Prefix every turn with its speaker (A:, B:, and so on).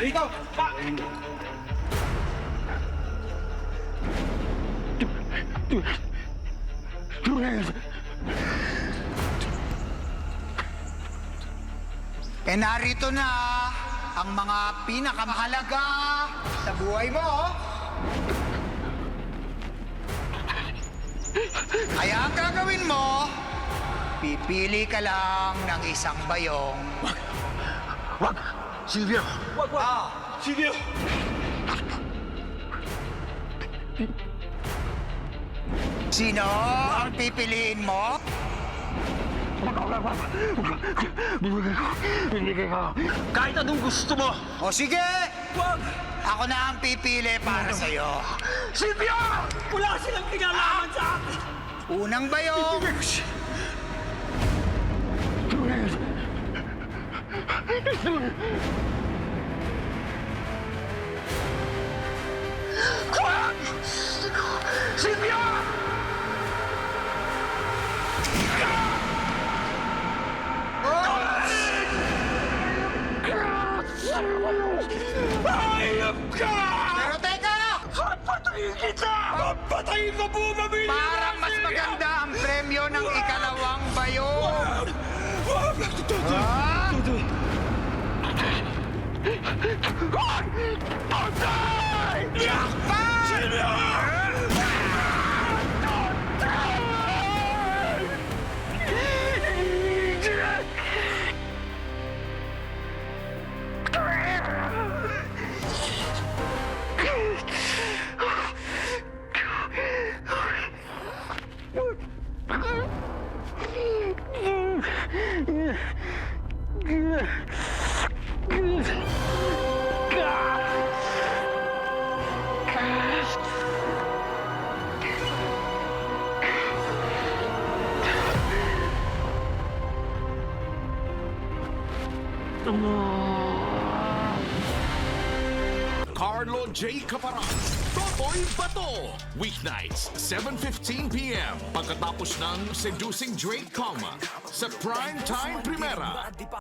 A: Dito!
B: Narito na ang mga pinakamahalaga sa buhay mo. Kaya ang gagawin mo, pipili ka lang ng isang bayong.
C: Wag! Silvio!
A: Wag! Sige!
B: Sino ang pipiliin mo?
C: Binigay ko. Kahit anong gusto mo!
B: O sige,
A: Wag!
B: ako na ang pipili para sa'yo.
C: Silvio!
A: Wala silang kinalaman sa akin!
B: Unang bayong,
C: Wag! Silvio!
A: Hayop ka!
B: pero teka!
A: Papatayin kita! Papatayin ko po, pamilya!
B: Parang mas maganda ang premyo ng ikalawang bayong.
A: Wag!
B: Ah!
C: Patay!
B: Yakpan!
A: Silvio!
D: Carlo J. Caparan, Totoy Bato. Weeknights, 7:15 p.m. Pagkatapos ng Seducing Drake Calma sa Prime Time Primera.